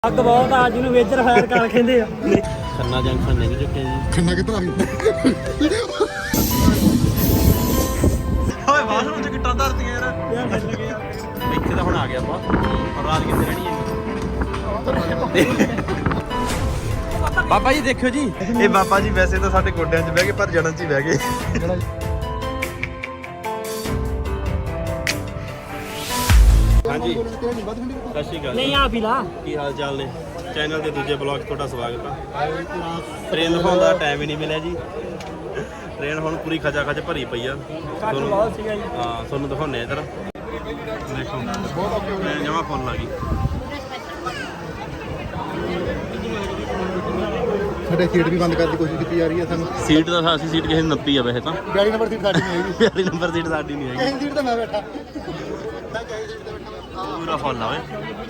ਅੱਗ ਬਹੁਤ ਆ ਜਿਹਨੂੰ ਵੇਜਰ ਫਾਇਰ ਕਰ ਕਹਿੰਦੇ ਆ। ਖੰਨਾ ਜੰਕਸ਼ਨ ਨਹੀਂ ਚੁੱਕੇ ਜੀ। ਖੰਨਾ ਕਿੱਧਰ ਆ ਗਈ? ਓਏ ਬਾਥਰੂਮ ਚ ਕਿੱਟਾਂ ਧਰਤੀਆਂ ਯਾਰ ਮਿਲ ਗਿਆ। ਇੱਥੇ ਤਾਂ ਹੁਣ ਆ ਗਿਆ ਆਪਾਂ ਹੁਣ ਰਾਤ ਕਿੱਥੇ ਰਹਿਣੀ ਹੈ। ਬਾਬਾ ਜੀ ਦੇਖਿਓ ਜੀ, ਇਹ ਬਾਬਾ ਜੀ ਵੈਸੇ ਤਾਂ ਸਾਡੇ ਗੋਡਿਆਂ 'ਚ ਬਹਿ ਗਏ ਪਰ ਜਣਨ 'ਚ ਹੀ ਬਹਿ ਗਏ। ਹਾਂਜੀ ਸਤਿ ਸ਼੍ਰੀ ਅਕਾਲ। ਨਹੀਂ ਆ ਪੀਲਾ ਕੀ ਹਾਲ ਚਾਲ ਨੇ? ਚੈਨਲ ਦੇ ਦੂਜੇ ਬਲੌਗ 'ਚ ਤੁਹਾਡਾ ਸਵਾਗਤ ਆ। ਟ੍ਰੇਨ ਦਿਖਾਉਣ ਦਾ ਟਾਈਮ ਹੀ ਨਹੀਂ ਮਿਲਿਆ ਜੀ। ਟ੍ਰੇਨ ਹੁਣ ਪੂਰੀ ਖਚਾ ਖਚ ਭਰੀ ਪਈ ਆ। ਬਹੁਤ ਸੀਗਾ ਜੀ। ਹਾਂ ਤੁਹਾਨੂੰ ਦਿਖਾਉਂਦੇ ਇੱਧਰ ਦੇਖੋ ਟ੍ਰੇਨ ਜਮਾ ਫੁੱਲ ਆ ਗਈ। ਸਾਡੇ ਸੀਟ ਵੀ ਬੰਦ ਕਰਨ ਦੀ ਕੋਸ਼ਿਸ਼ ਕੀਤੀ ਜਾ ਰਹੀ ਹੈ ਸਾਨੂੰ। ਸੀਟ ਤਾਂ ਅਸੀਂ ਸੀਟ ਕਿਸੇ ਨੱਪੀ ਆ ਵੈਸੇ ਤਾਂ 42 ਨੰਬਰ ਸੀਟ ਸਾਡੀ ਨਹੀਂ ਹੈਗੀ। 42 ਨੰਬਰ ਸੀਟ ਸਾਡੀ ਨਹੀਂ ਹੈਗੀ। ਇਹ ਸੀਟ ਤੇ ਮੈਂ ਬੈਠਾ। ਪੂਰਾ ਫੁੱਲ ਆ ਓਏ।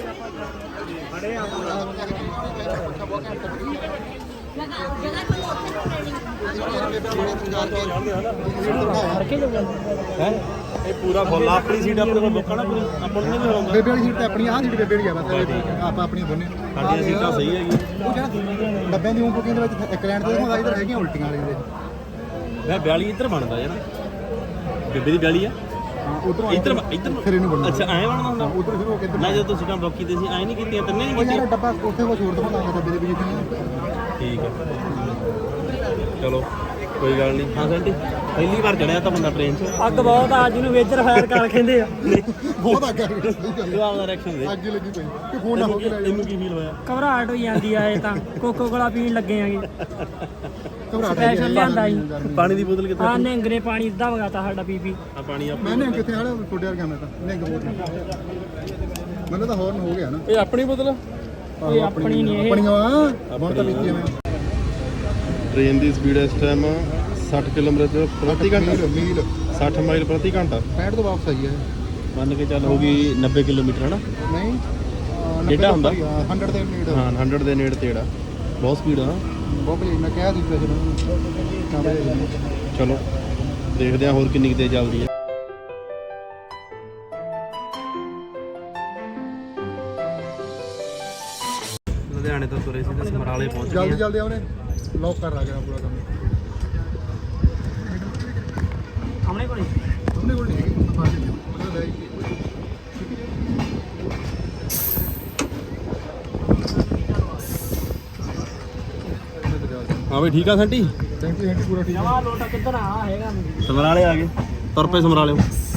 ਇਹ ਪੂਰਾ ਫੁੱਲ ਆ। ਆਪਣੀ ਸੀਟ ਆਪਣੇ ਕੋਲ ਬੁੱਕ ਆ ਨਾ ਪੂਰੀ ਆਪਾਂ ਨੂੰ ਨਹੀਂ ਹੋਊਗਾ। ਬੇਬੇ ਵਾਲੀ ਸੀਟ ਤੇ ਆਪਣੀ ਆਹ ਸੀਟ ਬੇਬੇ ਵਾਲੀ ਆ ਬਸ। ਆਪਾਂ ਆਪਣੀਆਂ ਦੋਨੇ ਸਾਡੀਆਂ ਸੀਟਾਂ ਸਹੀ ਹੈਗੀ। ਉਹ ਜਿਹੜਾ ਡੱਬਿਆਂ ਦੀ ਬੁਕਿੰਗ ਦੇ ਵਿੱਚ ਇੱਕ ਲੈਂਡ ਤੇ ਦਿਖਾਉਂਦਾ ਇਧਰ ਹੈਗੀਆਂ ਉਲਟੀਆਂ ਵਾਲੀ ਦੇ। ਮੈਂ 42 ਇੱਧਰ ਬਣਦਾ ਯਾਰ। ਬੇਬੇ ਦੀ 42 ਆ। ਉਧਰੋਂ ਇੱਧਰ ਫਿਰ ਇਹਨੂੰ ਬਣਨਾ। ਅੱਛਾ ਐਂ ਬਣਦਾ ਹੁੰਦਾ। ਉਧਰ ਸ਼ੁਰੂ ਹੋ ਕੇ ਇੱਧਰ ਮੈਂ ਜਦੋਂ ਸੀਟਾਂ ਬੁੱਕ ਕੀਤੀਆਂ ਸੀ ਐਂ ਨਹੀਂ ਕੀਤੀਆਂ ਤਿੰਨੇ ਨਹੀਂ ਉਹ ਕੀਤੀਆਂ। ਯਾਰ ਡੱਬਾ ਉੱਥੇ ਕੁਝ ਹੋਰ ਦਿਖਾਉਂਦਾ ਡੱਬੇ ਦੇ ਵਿੱਚ ਠੀਕ ਹੈ ਚਲੋ ਕੋਈ ਗੱਲ ਨਹੀਂ। ਹਾਂ ਸੈਂਟੀ ਪਹਿਲੀ ਵਾਰ ਚੜਿਆ ਤਾਂ ਬੰਦਾ ਟ੍ਰੇਨ 'ਚ। ਅੱਗ ਬਹੁਤ ਆ ਜਿਹਨੂੰ ਵੇਜਰ ਫਾਇਰ ਕਰ ਕਹਿੰਦੇ ਆ। ਬਹੁਤ ਅੱਗੇ ਸਹੀ ਗੱਲ ਤੂੰ ਆਪਦਾ ਰਿਐਕਸ਼ਨ ਦੇ। ਅੱਗੇ ਲੱਗੀ ਪਈ ਕਿ ਫੋਨ ਨਾ ਹੋ ਕੇ ਲੈ ਜਾ। ਇਹਨੂੰ ਕੀ ਫੀਲ ਹੋਇਆ? ਘਬਰਾਹਟ ਹੋਈ ਜਾਂਦੀ ਆ। ਇਹ ਤਾਂ ਕੋਕੋ ਕੋਲਾ ਪੀਣ ਲੱਗੇ ਆਂਗੇ। ਘਬਰਾਹਟ ਸਪੈਸ਼ਲ ਲਿਆਂਦਾ ਜੀ। ਪਾਣੀ ਦੀ ਬੋਤਲ ਕਿੱਥੇ? ਆ ਨਿੰਗ ਨੇ ਪਾਣੀ ਅੱਧਾ ਵਗਾਤਾ ਸਾਡਾ ਪੀਪੀ। ਆ ਪਾਣੀ ਆ। ਮੈਂ ਨਿਹੰਗ ਕਿੱਥੇ ਹਾਲੇ ਛੋਟੇ ਵਰਗਾ ਮੈਂ ਤਾਂ ਨਿਹੰਗ ਬੋਲ ਮੈਨੂੰ ਤਾਂ ਹੌਰਨ ਹੋ ਗਿਆ ਨਾ। ਇਹ ਆਪਣੀ ਬੋਤਲ? ਇਹ ਆਪਣੀ ਨਹੀਂ ਇਹ। ਆਪਣੀਆਂ ਬਹੁਤ ਤਾਂ ਪੀਤੀ ਮੈਂ। ਟ੍ਰੇਨ ਦੀ ਸਪੀਡ ਇਸ ਟਾਈਮ 60 ਕਿਲੋਮੀਟਰ ਪ੍ਰਤੀ ਘੰਟਾ। ਮੀਲ 60 ਮਾਈਲ ਪ੍ਰਤੀ ਘੰਟਾ। 65 ਤੋਂ ਵਾਪਸ ਆਈ ਹੈ। ਮੰਨ ਕੇ ਚੱਲ ਹੋ ਗਈ 90 ਕਿਲੋਮੀਟਰ ਹਨਾ। ਨਹੀਂ ਕਿਹੜਾ ਹੁੰਦਾ? 100 ਦੇ ਨੇੜੇ। ਹਾਂ 100 ਦੇ ਨੇੜੇ ਤੇੜਾ। ਬਹੁਤ ਸਪੀਡ ਆ। ਬਹੁਤ ਭਲੀ ਮੈਂ ਕਿਹਾ ਸੀ ਵੈਸੇ ਚਲੋ ਦੇਖਦੇ ਹਾਂ ਹੋਰ ਕਿੰਨੀ ਕੁ ਤੇਜ਼ ਚੱਲਦੀ ਹੈ। ਲੁਧਿਆਣੇ ਤੋਂ ਤੁਰੇ ਸੀ ਤੇ ਸਮਰਾਲੇ ਪਹੁੰਚ ਗਏ। ਜਲਦੀ ਜਲਦੀ ਆਉਣੇ ਲੌਕ ਕਰ ਲਾ ਕੇ ਪੂਰਾ ਕੰਮ। ਸਾਹਮਣੇ ਕੋਲੇ ਉਹਨੇ ਕੋਲ ਨਹੀਂ ਹੈਗੀ ਮਤਲਬ ਲੈ ਹਾਂ ਬਈ ਠੀਕ ਆ ਸੈਂਟੀ। ਥੈਂਕ ਯੂ ਪੂਰਾ ਠੀਕ ਹੈ। ਜਮਾ ਲੋਟਾ ਕਿੱਧਰ ਆ ਹੈਗਾ। ਸਮਰਾਲੇ ਆ ਗਏ। ਤੁਰ ਪਏ ਸਮਰਾਲੇ।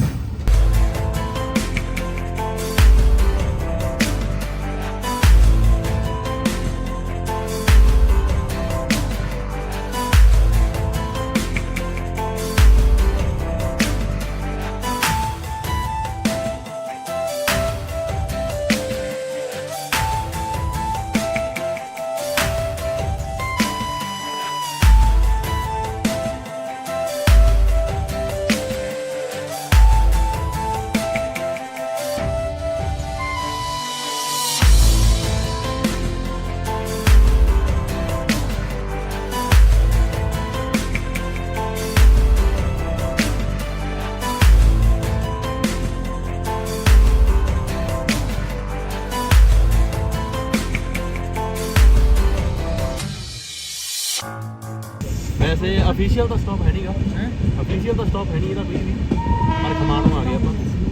ਵੈਸੇ ਅਫੀਸ਼ੀਅਲ ਤਾਂ ਸਟਾਪ ਹੈ ਨਹੀਂਗਾ। ਅਫੀਸ਼ੀਅਲ ਤਾਂ ਸਟਾਪ ਹੈ ਨਹੀਂ ਇਹਦਾ ਕੋਈ ਵੀ। ਪਰ ਖਮਾਣੋਂ ਆ ਗਏ ਆਪਾਂ।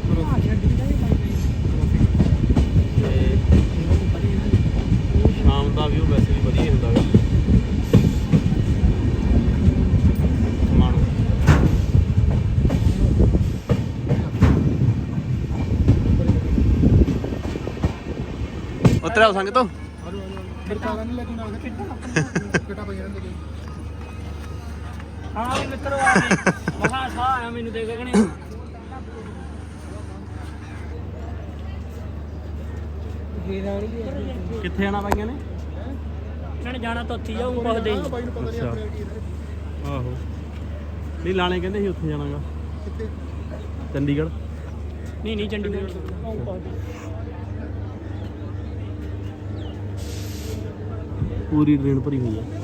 ਤੇ ਸ਼ਾਮ ਦਾ ਵਿਊ ਵੈਸੇ ਵੀ ਵਧੀਆ ਹੁੰਦਾ ਹੈ ਖਮਾਣੋਂ। ਉਤਰਿਆ ਸੰਗ ਤੋਂ ਫਿਰ ਕਾਲਾ ਨਹੀਂ ਲੱਗੀ ਨਾਲ ਕਿੱਟਾ ਪਈ ਰਹਿੰਦੇ ਹਾਂ ਵੀ ਮਿੱਤਰੋ ਆ ਗਏ। ਮਹਾ ਸਾਹ ਆਇਆ ਮੈਨੂੰ ਦੇਖ ਕੇ ਕਹਣੇ ਕਿੱਥੇ ਆਣਾ ਬਾਈਆਂ ਨੇ? ਇਹਨਾਂ ਨੇ ਜਾਣਾ ਤਾਂ ਉੱਥੇ ਜਾਊ ਪੁੱਛਦੇ ਹੀ। ਬਾਈ ਨੂੰ ਪਤਾ ਨਹੀਂ ਆਪਣੇ ਕੀ ਆਹੋ ਨਹੀਂ ਲਾਣੇ ਕਹਿੰਦੇ ਸੀ ਉੱਥੇ ਜਾਣਾਗਾ ਕਿੱਥੇ ਚੰਡੀਗੜ੍ਹ। ਨਹੀਂ ਨਹੀਂ ਚੰਡੀਗੜ੍ਹ ਪੂਰੀ ਟ੍ਰੇਨ ਭਰੀ ਹੋਈ ਹੈ।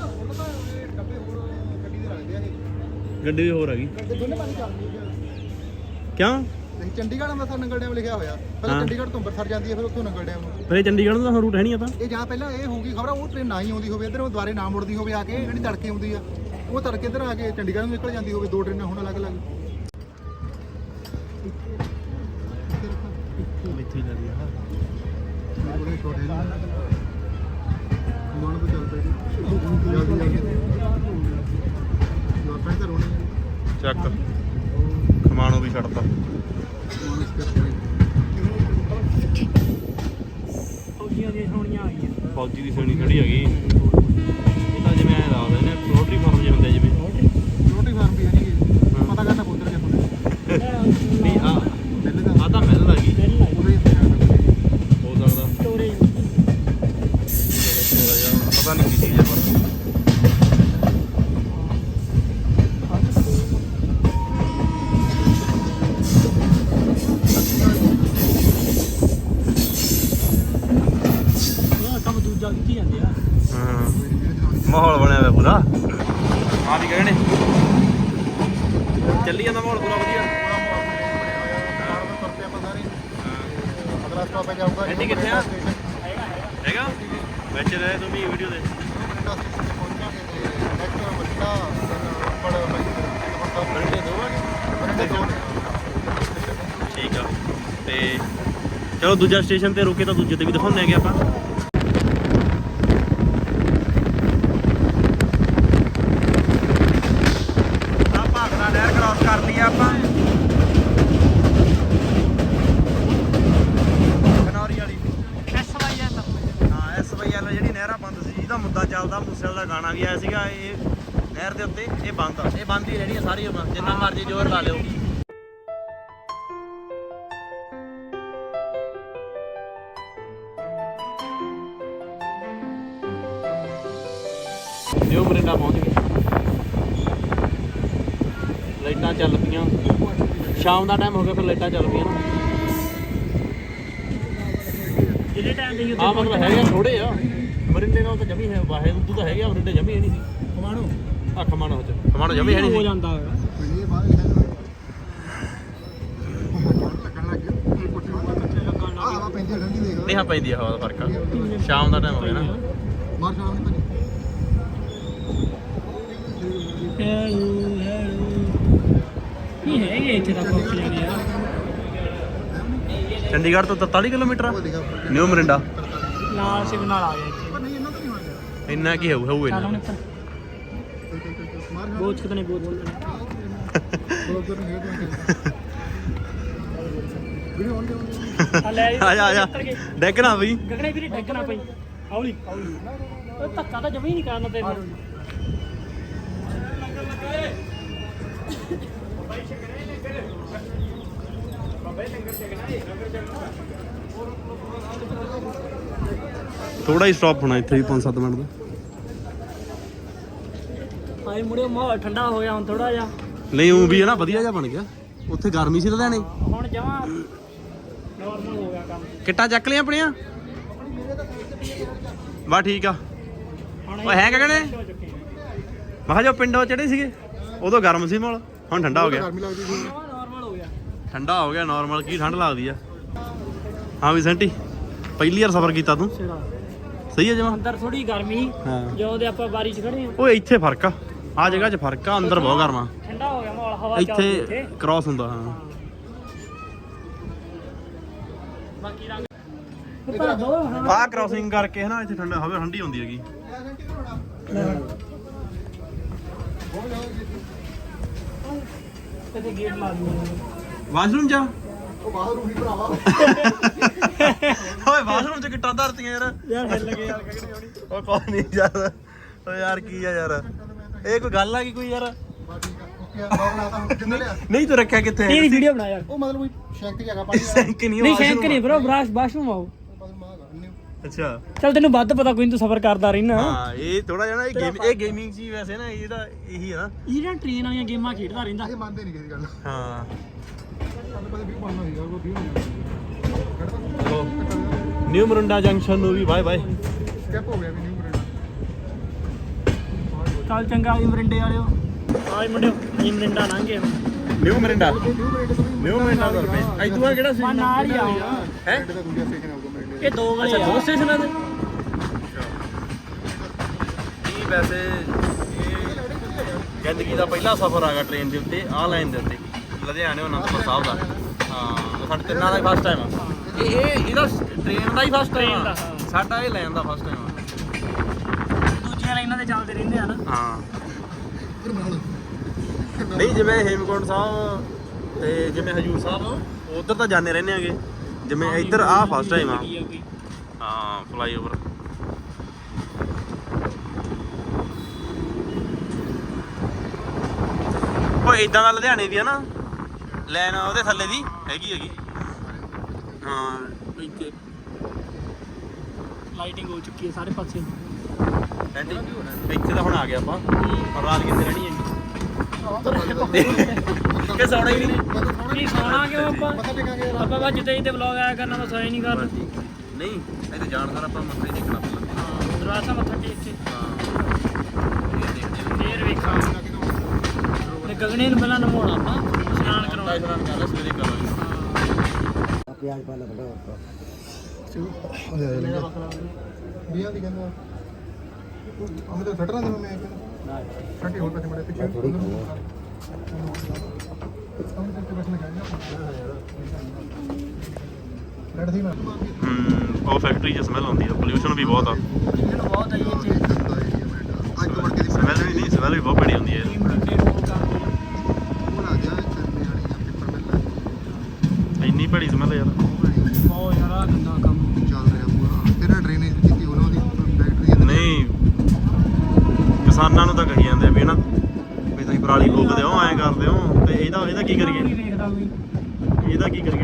ਗੱਡੀ ਵੀ ਹੋਰ ਆ ਗਈ। ਕਿਉਂ? ਨਹੀਂ ਚੰਡੀਗੜ੍ਹ ਅੰਮ੍ਰਿਤਸਰ ਨੰਗਲ ਡੈਮ ਲਿਖਿਆ ਹੋਇਆ ਪਹਿਲਾਂ ਚੰਡੀਗੜ੍ਹ ਤੋਂ ਅੰਮ੍ਰਿਤਸਰ ਜਾਂਦੀ ਹੈ ਫਿਰ ਉੱਥੋਂ ਨੰਗਲ ਡੈਮ ਨੂੰ ਫਿਰ ਇਹ ਚੰਡੀਗੜ੍ਹ ਨੂੰ ਤਾਂ ਰੂਟ ਹੈ ਨਹੀਂ ਆਪਾਂ ਇਹ ਜਾਂ ਪਹਿਲਾਂ ਇਹ ਹੋਊਗੀ ਖਬਰ ਉਹ ਟ੍ਰੇਨ ਨਾ ਹੀ ਆਉਂਦੀ ਹੋਵੇ ਇੱਧਰ ਉਹ ਦੁਬਾਰੇ ਨਾ ਮੁੜਦੀ ਹੋਵੇ ਆ ਕੇ ਜਿਹੜੀ ਤੜਕੇ ਆਉਂਦੀ ਆ ਉਹ ਤੜਕੇ ਇੱਧਰ ਆ ਕੇ ਚੰਡੀਗੜ੍ਹ ਨੂੰ ਨਿਕਲ ਜਾਂਦੀ ਹੋਵੇ ਦੋ ਟ੍ਰੇਨਾਂ ਹੁਣ ਅਲੱਗ-ਅਲੱਗ ਇੱਥੇ ਹੀ ਲੱਗੀ ਆ ਬੜੇ ਛੋਟੇ ਨੇ ਮਨ ਤੋਂ ਚੱਲ ਪਏ ਜਲਦੀ ਲੋਕਾਂ ਨੇ ਰੋਣੇ ਚੱਕ ਖਮਾਣੋ ਵੀ ਛੱਡਤਾ ਫੌਜੀਆਂ ਦੀਆਂ ਸੋਹਣੀਆਂ ਆ ਗਈਆਂ ਫੌਜੀ ਦੀ ਸੋਣੀ ਖੜੀ ਹੈਗੀ ਇਹ ਤਾਂ ਜਿਵੇਂ ਐਂ ਲਾਉਂਦੇ ਨੇ ਪੋਲਟਰੀ ਫਾਰਮ ਜਿਹੇ ਹੁੰਦੇ ਜਿਵੇਂ ਰੋਟੀ ਫਾਰਮ ਵੀ ਹੈ ਨਹੀਂ ਪਤਾ ਕਰਨਾ ਪੁੱਤਰ ਕੇ ਨਹੀਂ ਆ ਤਾਂ ਮਿਲ ਲੱਗੀ ਉਹਦੇ ਇੱਥੇ ਹੋ ਸਕਦਾ ਸਟੋਰੇਜ ਪਤਾ ਨਹੀਂ ਕੀ ਚੀਜ਼ ਹੈ ਪਰ ਕੰਮ ਦੂਜਾ ਕੀਤੀ ਜਾਂਦੇ ਆ ਹਾਂ ਮਾਹੌਲ ਬਣਿਆ ਹੋਇਆ ਪੂਰਾ ਆ ਵੀ ਕਹਿੰਦੇ ਚੱਲੀ ਜਾਂਦਾ ਮਾਹੌਲ ਪੂਰਾ ਵਧੀਆ ਅਗਲਾ ਸਟਾਪ ਜਾਊਗਾ ਐਂਡੀ ਕਿੱਥੇ ਆ ਹੈਗਾ ਵਿੱਚ ਰਹੇ ਤੂੰ ਵੀ ਵੀਡੀਓ ਦੇ ਠੀਕ ਆ ਤੇ ਚਲੋ ਦੂਜਾ ਸਟੇਸ਼ਨ ਤੇ ਰੁਕੇ ਤਾਂ ਦੂਜੇ ਤੇ ਵੀ ਦਿਖਾਉਂਦੇ ਹੈਗੇ ਆਪਾਂ ਆ ਭਾਖੜਾ ਨਹਿਰ ਕ੍ਰਾਸ ਕਰ ਲਈ ਆਪਾਂ ਕਨੌਰੀ ਵਾਲੀ ਹਾਂ SYL ਜਿਹੜੀ ਨਹਿਰਾਂ ਬੰਦ ਸੀ ਜਿਹਦਾ ਮੁੱਦਾ ਚੱਲਦਾ ਮੂਸੇਵਾਲੇ ਦਾ ਗਾਣਾ ਵੀ ਆਇਆ ਸੀਗਾ ਇਹ ਨਹਿਰ ਦੇ ਉੱਤੇ ਇਹ ਬੰਦ ਹੀ ਰਹਿਣੀ ਸਾਰੀਆਂ ਜਿੰਨਾ ਮਰਜ਼ੀ ਜ਼ੋਰ ਲਾ ਲਿਓ ਨਿਊ ਮਰਿੰਡਾ ਪਹੁੰਚ ਗਏ ਲਾਈਟਾਂ ਚੱਲ ਪਈਆਂ ਸ਼ਾਮ ਦਾ ਟਾਈਮ ਹੋ ਗਿਆ ਫਿਰ ਲਾਈਟਾਂ ਚੱਲ ਪਈਆਂ ਨਾ ਜਿਹੜੇ ਟਾਈਮ ਦੇ ਆ ਮਤਲਬ ਹੈਗੇ ਥੋੜੇ ਆ ਮਰਿੰਡੇ ਨਾਲ ਤਾਂ ਜਮੀ ਹੈ ਵਾਹੇ ਉਦੋਂ ਤਾਂ ਹੈਗੇ ਆ ਮਰਿੰਡੇ ਜਮੀ ਹੈ ਨਹੀਂ ਸੀ ਕਮਾਣੋ ਆ ਖਮਾਣੋ ਜਮੀ ਹੈ ਨਹੀਂ ਹੋ ਸੀ ਜਾਂਦਾ ਇਹ ਬਾਹਰ ਲੱਗਣ ਲੱਗ ਗਿਆ ਕੁੱਟੀ ਆ ਹਵਾ ਪੈਂਦੀ ਠੰਡੀ ਦੇਖ ਨਹੀਂ ਹਾਂ ਪੈਂਦੀ ਆ ਹਵਾ ਦਾ ਫਰਕ ਆ ਸ਼ਾਮ ਦਾ ਟਾਈਮ ਹੋ ਗਿਆ ਨਾ ਮਾਰ ਸ਼ਾਮ ਨਹੀਂ ਪੈਂਦੀ ਕੀ ਹੈਗੇ ਇੱਥੇ ਤਾਂ ਪਹੁੰਚ ਜਾਣੇ ਆ ਚੰਡੀਗੜ੍ਹ ਤੋਂ 43 ਕਿਲੋਮੀਟਰ ਆ ਉਹ ਦੇਖਾ ਨਿਊ ਮਰਿੰਡਾ ਨਾਲ ਸਿਗਨਲ ਆ ਗਿਆ ਇੱਥੇ ਪਰ ਨਹੀਂ ਇਹਨਾਂ ਤੋਂ ਨਹੀਂ ਹੋਇਆ ਇੰਨਾ ਕੀ ਹੋਊ ਚੱਲ ਇੰਨਾ ਹੁਣ ਮਾਰ ਬੋਝ ਕਿਤਨੇ ਬੋਝ ਬੋਲ ਨਹੀਂ ਹੈ ਵੀਡੀਓ ਆਨ ਦੇ ਆ ਲੈ ਆ ਜਾ ਡੈਕਣਾ ਬਈ ਗਗਨੇ ਵੀਰੇ ਡੱਗਣਾ ਪਈ ਹੌਲੀ ਉਹ ਧੱਕਾ ਤਾਂ ਜਮੀ ਹੀ ਨਹੀਂ ਕਰਨਾ ਤੈਨੂੰ ਥੋੜਾ ਹੀ ਸਟਾਪ ਹੋਣਾ ਇੱਥੇ ਵੀ 5-7 ਮਿੰਟ ਦਾ ਆਏ ਮੁੜਿਓ ਮਾਹੌਲ ਠੰਡਾ ਹੋ ਗਿਆ ਹੁਣ ਥੋੜਾ ਜਿਹਾ ਨਹੀਂ ਉਹ ਵੀ ਹੈ ਨਾ ਵਧੀਆ ਜਿਹਾ ਬਣ ਗਿਆ ਉੱਥੇ ਗਰਮੀ ਸੀ ਲੁਧਿਆਣੇ ਹੁਣ ਜਮਾ ਨਾਰਮਲ ਹੋ ਗਿਆ ਕੰਮ ਕਿੱਟਾਂ ਚੱਕ ਲਿਆ ਆਪਣੀਆਂ ਬਾ ਠੀਕ ਆ ਹੁਣ ਓਏ ਹੈ ਕਗਣੇ ਹੋ ਚੁੱਕੇ ਆ ਮੈਂ ਕਿਹਾ ਜੋ ਪਿੰਡੋਂ ਚੜੇ ਸੀਗੇ ਉਦੋਂ ਗਰਮ ਸੀ ਮਾਹੌਲ ਹੁਣ ਠੰਡਾ ਹੋ ਗਿਆ ਗਰਮੀ ਲੱਗਦੀ ਸੀ ਜਮਾ ਨਾਰਮਲ ਹੋ ਗਿਆ ਠੰਡਾ ਹੋ ਗਿਆ ਨਾਰਮਲ ਕੀ ਠੰਡ ਲੱਗਦੀ ਆ ਹਾਂ ਵੀ ਸੈਂਟੀ ਪਹਿਲੀ ਵਾਰ ਸਫ਼ਰ ਕੀਤਾ ਤੂੰ ਸਿਰਾ ਸਹੀ ਹੈ ਜਮਾ ਅੰਦਰ ਥੋੜੀ ਗਰਮੀ ਹਾਂ ਜਦੋਂ ਦੇ ਆਪਾਂ ਬਾਰੀ 'ਚ ਖੜੇ ਆ ਓਏ ਇੱਥੇ ਫਰਕ ਆ ਜਗ੍ਹਾ 'ਚ ਫਰਕ ਆ ਅੰਦਰ ਬਹੁਤ ਗਰਮਾ ਠੰਡਾ ਹੋ ਗਿਆ ਮਾਹੌਲ ਹਵਾ ਚੱਲਦੀ ਇੱਥੇ ਕ੍ਰਾਸ ਹੁੰਦਾ ਹਾਂ ਬਾਕੀ ਰੰਗ ਭਰ ਦੋ ਹਾਂ ਆਹ ਕ੍ਰਾਸਿੰਗ ਕਰਕੇ ਹਨਾ ਇੱਥੇ ਠੰਡਾ ਹਵਾ ਠੰਡੀ ਹੁੰਦੀ ਹੈਗੀ ਕਿਤੇ ਗੇਟ ਲਾ ਦਿੰਦੇ ਵਾਸ਼ਰੂਮ ਜਾ ਉਹ ਬਾਹਰ ਰੂਹੀ ਭਰਾਵਾ ਓਏ ਵਾਸ਼ਰੂਮ 'ਚ ਕਿੱਟਾਂ ਧਰਤੀਆਂ ਯਾਰ ਯਾਰ ਹਿੱਲ ਗਏ ਯਾਰ ਉਹ ਕੋਈ ਨਹੀਂ ਯਾਰ ਓ ਯਾਰ ਕੀ ਆ ਯਾਰ ਇਹ ਕੋਈ ਗੱਲ ਆ ਕੀ ਕੋਈ ਯਾਰ ਓਕੇ ਬਾਹਰ ਲਾਤਾ ਹੁਣ ਕਿੰਨੇ ਲਿਆ ਨਹੀਂ ਤੂੰ ਰੱਖਿਆ ਕਿੱਥੇ ਤੇਰੀ ਵੀਡੀਓ ਬਣਾ ਯਾਰ ਉਹ ਮਤਲਬ ਕੋਈ ਸ਼ੈਂਕ ਜਗ੍ਹਾ ਪਾਣੀ ਸੈਂਕ ਨਹੀਂ ਨਹੀਂ ਸ਼ੈਂਕ ਨਹੀਂ ਬ్రో ਬਾਥਰੂਮ ਆਓ ਅੱਛਾ ਚੱਲ ਤੈਨੂੰ ਵੱਧ ਪਤਾ ਕੋਈ ਨਹੀਂ ਤੂੰ ਸਫ਼ਰ ਕਰਦਾ ਰਹਿਣਾ ਹਾਂ ਇਹ ਥੋੜਾ ਜਿਹਾ ਨਾ ਇਹ ਗੇਮਿੰਗ ਚੀਜ਼ ਵੈਸੇ ਨਾ ਇਹਦਾ ਇਹੀ ਆ ਨਾ ਇਹ ਨਾ ਟ੍ਰੇਨ ਵਾਲੀਆਂ ਗੇਮਾਂ ਖੇਡਦਾ ਰਹਿੰਦਾ ਇਹ ਮੰਨਦੇ ਨਹੀਂ ਕਿਸੇ ਗੱਲ ਹਾਂ ਸਾਡੇ ਕੋਲ ਵੀ ਬਣਨਾ ਸੀਗਾ ਉਹ ਵੀ ਹੋਣਾ ਨਿਊ ਮਰਿੰਡਾ ਜੰਕਸ਼ਨ ਨੂੰ ਵੀ ਬਾਏ ਬਾਏ ਸਟੈਪ ਹੋ ਗਿਆ ਵੀ ਨਿਊ ਬਰੇਡ ਚੱਲ ਚੰਗਾ ਜੀ ਮਰਿੰਡੇ ਵਾਲਿਓ ਆਏ ਮੁੰਡਿਓ ਜੀ ਮਰਿੰਡਾ ਲੰਘੇ ਹੁਣ ਨਿਊ ਮਰਿੰਡਾ ਨਿਊ ਮਰਿੰਡਾ ਦਾ ਰੁਪਏ ਅੱਜ ਤੂੰ ਕਿਹੜਾ ਸੀ ਨਾਲ ਹੀ ਆਉਣਾ ਹੈ ਦਾ ਦੂਜਾ ਸਟੇਸ਼ਨ ਆਊਗਾ ਮੇਰੇ ਇਹ ਦੋ ਗਲੇ ਅੱਛਾ ਆ ਦੋ ਸਟੇਸ਼ਨਾਂ ਦੇ ਇਹ ਵੈਸੇ ਇਹ ਜ਼ਿੰਦਗੀ ਦਾ ਪਹਿਲਾ ਸਫ਼ਰ ਆਗਾ ਟ੍ਰੇਨ ਦੇ ਉੱਤੇ ਆਹ ਲਾਈਨ ਦੇ ਉੱਤੇ ਲੁਧਿਆਣੇ ਅਨੰਦਪੁਰ ਸਾਹਿਬ ਦਾ ਹਾਂ ਸਾਡੇ ਤਿੰਨਾਂ ਦਾ ਹੀ ਫਸਟ ਟਾਈਮ ਆ ਇਹਦਾ ਟ੍ਰੇਨ ਦਾ ਹੀ ਫਸਟ ਟਾਈਮ ਆ ਸਾਡਾ ਇਹ ਲਾਈਨ ਦਾ ਫਸਟ ਟਾਈਮ ਆ ਦੂਜੀਆਂ ਲਾਈਨਾਂ ਤੇ ਚੱਲਦੇ ਰਹਿੰਦੇ ਆ ਨਾ ਹਾਂ ਨਹੀਂ ਜਿਵੇਂ ਹੇਮਕੁੰਟ ਸਾਹਿਬ ਤੇ ਜਿਵੇਂ ਹਜੂਰ ਸਾਹਿਬ ਉਧਰ ਤਾਂ ਜਾਂਦੇ ਰਹਿੰਦੇ ਆਗੇ ਜਿਵੇਂ ਇੱਧਰ ਆਹ ਫਸਟ ਟਾਈਮ ਆ ਹਾਂ ਫਲਾਈਓਵਰ ਉਹ ਇਦਾਂ ਦਾ ਲੁਧਿਆਣੇ ਵੀ ਆ ਨਾ ਲਾਈਨ ਉਹਦੇ ਥੱਲੇ ਦੀ ਹੈਗੀ ਹਾਂ ਇੱਥੇ ਲਾਈਟਿੰਗ ਹੋ ਚੁੱਕੀ ਹੈ ਸਾਰੇ ਪਾਸੇ ਐਂਟੀ ਇੱਥੇ ਤਾਂ ਹੁਣ ਆ ਗਿਆ ਆਪਾਂ ਪਰ ਰਾਤ ਕਿੱਥੇ ਰਹਿਣੀ ਹੈ ਕਿ ਸੌਣਾ ਹੀ ਨਹੀਂ ਸੌਣਾ ਕਿਉਂ ਆਪਾਂ ਮੱਥਾ ਟੇਕਾਂਗੇ ਆਪਾਂ ਬਸ ਜਿੱਤੇ ਜਿੱਤੇ ਵਲੌਗ ਆਇਆ ਕਰਨਾ ਬਸ ਐ ਨਹੀਂ ਕਰਨਾ ਨਹੀਂ ਇੱਥੇ ਜਾਣ ਸਾਰ ਆਪਾਂ ਮੱਥਾ ਹੀ ਦੇਖਣਾ ਪਹਿਲਾਂ ਦਰਵਾਜ਼ਾ ਮੱਥਾ ਟੇਕ ਕੇ ਹਾਂ ਇਹ ਦੇਖਦੇ ਫੇਰ ਵੇਖਾਂਗੇ ਤੇ ਗਗਨੇ ਨੂੰ ਪਹਿਲਾਂ ਨਮਾਉਣਾ ਆਪਾਂ ਇਸ਼ਨਾਨ ਕਰਾਉਣਾ ਇਸ਼ਨਾਨ ਕਰ ਲੈ ਸਵੇਰੇ ਕਰਾਂਗੇ प्याज पाला बड़ा होता ਵੀਆਂ ਦੀ ਕਹਿੰਦਾ ਹਮੇ ਤਾਂ ਛੱਡਣਾ ਦੇ ਮੈਂ ਕਹਿੰਦਾ ਛੱਡੀ ਹੋਰ ਪਾਸੇ ਮੜੇ ਪਿੱਛੇ थोड़ी ਹਮੇ ਤੇ ਬੈਠਣਾ ਚਾਹੀਦਾ ਲੜ ਸੀ ਮੈਂ ਉਹ ਫੈਕਟਰੀ 'ਚ ਸਮੈਲ ਆਉਂਦੀ ਆ ਪੋਲਿਊਸ਼ਨ ਵੀ ਬਹੁਤ ਆ ਇਹਨੂੰ ਬਹੁਤ ਆਈ ਇੱਥੇ ਅੱਜ ਤੋਂ ਵੜ ਕੇ ਸਮੈਲ ਵੀ ਨਹੀਂ ਸਮੈਲ ਵੀ ਬਹੁਤ ਬੜੀ ਆਉਂਦੀ ਹੈ ਉਹ ਆ ਗਿਆ ਚਰਨੇ ਵਾਲੀ ਜਾਂ ਪੇਪਰ ਮਿਲ ਇੰਨੀ ਭੜੀ ਸਮੈਲ ਯਾਰ ਬਹੁਤ ਯਾਰ ਆ ਗੰਦਾ ਕੰਮ ਚੱਲ ਰਿਹਾ ਪੂਰਾ ਤੇਰਾ ਡਰੇਨੇਜ ਕੀਤੀ ਉਹਨਾਂ ਦੀ ਫੈਕਟਰੀ ਨਹੀਂ ਕਿਸਾਨਾਂ ਨੂੰ ਤਾਂ ਕਹੀ ਜਾਂਦੇ ਆ ਵੀ ਨਾ ਵੀ ਤੁਸੀਂ ਪਰਾਲੀ ਫੂਕਦੇ ਹੋ ਐਂ ਕਰਦੇ ਹੋ ਤੇ ਇਹਦਾ ਕੀ ਕਰੀਏ ਵੇਖਦਾ ਕੋਈ ਇਹਦਾ ਕੀ ਕਰੀਏ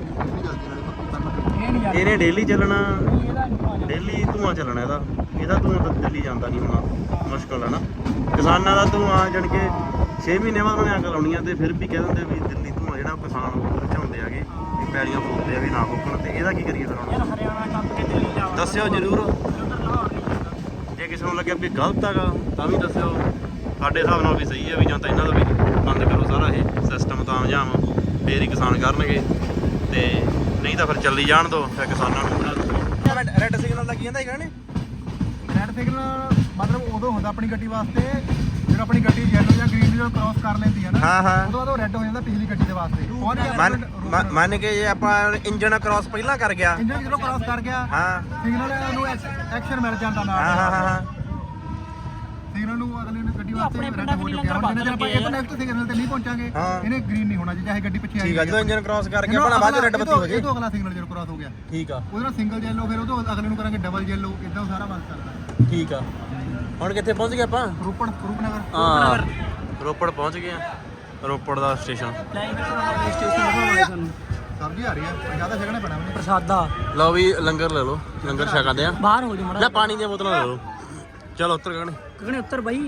ਇਹ ਨਹੀਂ ਯਾਰ ਇਹਨੇ ਡੇਲੀ ਚੱਲਣਾ ਇਹਦਾ ਨਹੀਂ ਭਾਜਾ ਡੇਲੀ ਧੂਆਂ ਚੱਲਣਾ ਇਹਦਾ ਧੂਆਂ ਤਾਂ ਦਿੱਲੀ ਜਾਂਦਾ ਨਹੀਂ ਹੋਣਾ ਮੁਸ਼ਕਲ ਹੈ ਨਾ ਕਿਸਾਨਾਂ ਦਾ ਧੂਆਂ ਜਾਣ ਕੇ 6 ਮਹੀਨੇ ਬਾਅਦ ਉਹਨੇ ਅੱਗ ਲਾਉਣੀ ਆ ਤੇ ਫਿਰ ਵੀ ਕਹਿ ਦਿੰਦੇ ਵੀ ਦਿੱਲੀ ਧੂਆਂ ਜਿਹੜਾ ਕਿਸਾਨ ਝਾਉਂਦੇ ਆਗੇ ਵੀ ਪੈਲੀਆਂ ਫੂਕਦੇ ਆ ਵੀ ਨਾ ਫੂਕਣ ਤੇ ਇਹਦਾ ਕੀ ਕਰੀਏ ਫਿਰ ਹੁਣ ਯਾਰ ਹਰਿਆਣਾ ਕੰਮ ਕੇ ਦਿੱਲੀ ਜਾਵਾਂ ਦੱਸਿਓ ਜ਼ਰੂਰ ਉਧਰ ਲਾਹੌਰ ਨਹੀਂ ਜਾਂਦਾ ਜੇ ਕਿਸੇ ਨੂੰ ਲੱਗਿਆ ਵੀ ਗਲਤ ਹੈਗਾ ਤਾਂ ਵੀ ਦੱਸਿਓ ਸਾਡੇ ਹਿਸਾਬ ਨਾਲ ਵੀ ਸਹੀ ਹੈ ਵੀ ਜਾਂ ਤਾਂ ਇਹਨਾਂ ਦਾ ਵੀ ਬੰਦ ਕਰੋ ਸਾਰਾ ਇਹ ਸਿਸਟਮ ਤਾਂ ਜਾਮ ਫੇਰ ਹੀ ਕਿਸਾਨ ਕਰਨਗੇ ਤੇ ਨਹੀਂ ਤਾਂ ਫਿਰ ਚੱਲੀ ਜਾਣ ਦੋ ਫਿਰ ਕਿਸਾਨਾਂ ਨੂੰ ਰੈੱਡ ਸਿਗਨਲ ਦਾ ਕੀ ਕਹਿੰਦਾ ਹੈਗਾ ਨੇ ਰੈਡ ਸਿਗਨਲ ਮਤਲਬ ਉਦੋਂ ਹੁੰਦਾ ਆਪਣੀ ਗੱਡੀ ਵਾਸਤੇ ਜਦੋਂ ਆਪਣੀ ਗੱਡੀ ਯੈਲੋ ਜਾਂ ਗ੍ਰੀਨ ਜਦੋਂ ਕ੍ਰਾਸ ਕਰ ਲੈਂਦੀ ਹੈ ਨਾ ਹਾਂ ਹਾਂ ਉਦੋਂ ਬਾਅਦ ਉਹ ਰੈੱਡ ਹੋ ਜਾਂਦਾ ਪਿਛਲੀ ਗੱਡੀ ਦੇ ਵਾਸਤੇ ਮੰਨ ਕੇ ਜੇ ਆਪਾਂ ਇੰਜਨ ਕ੍ਰਾਸ ਪਹਿਲਾਂ ਕਰ ਗਿਆ ਇੰਜਨ ਜਦੋਂ ਕ੍ਰਾਸ ਕਰ ਗਿਆ ਹਾਂ ਸਿਗਨਲ ਨੂੰ ਐਕਸ਼ਨ ਮਿਲ ਜਾਂਦਾ ਨਾਲ ਹਾਂ ਹਾਂ ਹਾਂ ਸਿਗਨਲ ਨੂੰ ਅਗਲੇ ਨੂੰ ਗੱਡੀ ਵਾਸਤੇ ਆਪਣੇ ਰੈੱਡ ਪਿੰਡਾਂ ਹੋ ਵਿੱਚ ਚੁੱਕਿਆ ਲੰਗਰ ਹੁਣ ਜਿੰਨੇ ਚਿਰ ਆਪਾਂ ਬੰਦ ਇਹ ਨੈਕਸਟ ਸਿਗਨਲ ਤੇ ਨਹੀਂ ਪਹੁੰਚਾਂਗੇ ਹਾਂ। ਇਹਨੇ ਗ੍ਰੀਨ ਨਹੀਂ ਹੋਣਾ ਚਾਹੇ ਗੱਡੀ ਪਿੱਛੇ ਆਈ ਠੀਕ ਆ ਜਦੋਂ ਇੰਜਨ ਕ੍ਰਾਸ ਕਰਕੇ ਆਪਣਾ ਬਾਅਦ ਰੈੱਡ ਬੱਤੀ ਹੋ ਜੇ ਇਹ ਤੋਂ ਅਗਲਾ ਸਿਗਨਲ ਜਦੋਂ ਕ੍ਰਾਸ ਹੋ ਗਿਆ ਠੀਕ ਆ ਉਹਦੇ ਨਾਲ ਸਿੰਗਲ ਯੈਲੋ ਫਿਰ ਉਹ ਤੋਂ ਅਗਲੇ ਨੂੰ ਕਰਾਂਗੇ ਡਬਲ ਯੈਲੋ ਇਦਾਂ ਸਾਰਾ ਬਣ ਸਕਦਾ ਠੀਕ ਆ ਹੁਣ ਕਿੱਥੇ ਪਹੁੰਚ ਗਏ ਆਪਾਂ ਰੂਪਨਗਰ ਹਾਂ ਰੋਪੜ ਪਹੁੰਚ ਗਏ ਆ ਰੋਪੜ ਦਾ ਸਟੇਸ਼ਨ ਲਾਈਨ ਤੇ ਸਟੇਸ਼ਨ ਦਿਖਾਵਾਂਗੇ ਤੁਹਾਨੂੰ ਸਬਜ਼ੀ ਆ ਰਹੀ ਹੈ ਜ਼ਿਆਦਾ ਛਕਣਾ ਪੈਣਾ ਮੈਨੂੰ ਪ੍ਰਸਾਦਾ ਲਓ ਵੀ ਲੰਗਰ ਲੈ ਲਓ ਲੰਗਰ ਛਕਾਉਂਦੇ ਆ ਬਾਹਰ ਹੋ ਜਾ ਮੜਾ ਲੈ ਪਾਣੀ ਦੀਆਂ ਬੋਤਲਾਂ ਲੈ ਲਓ ਚਲੋ ਉੱਤਰ ਗਏ ਕਗਣੇ ਉੱਤਰ ਬਾਈ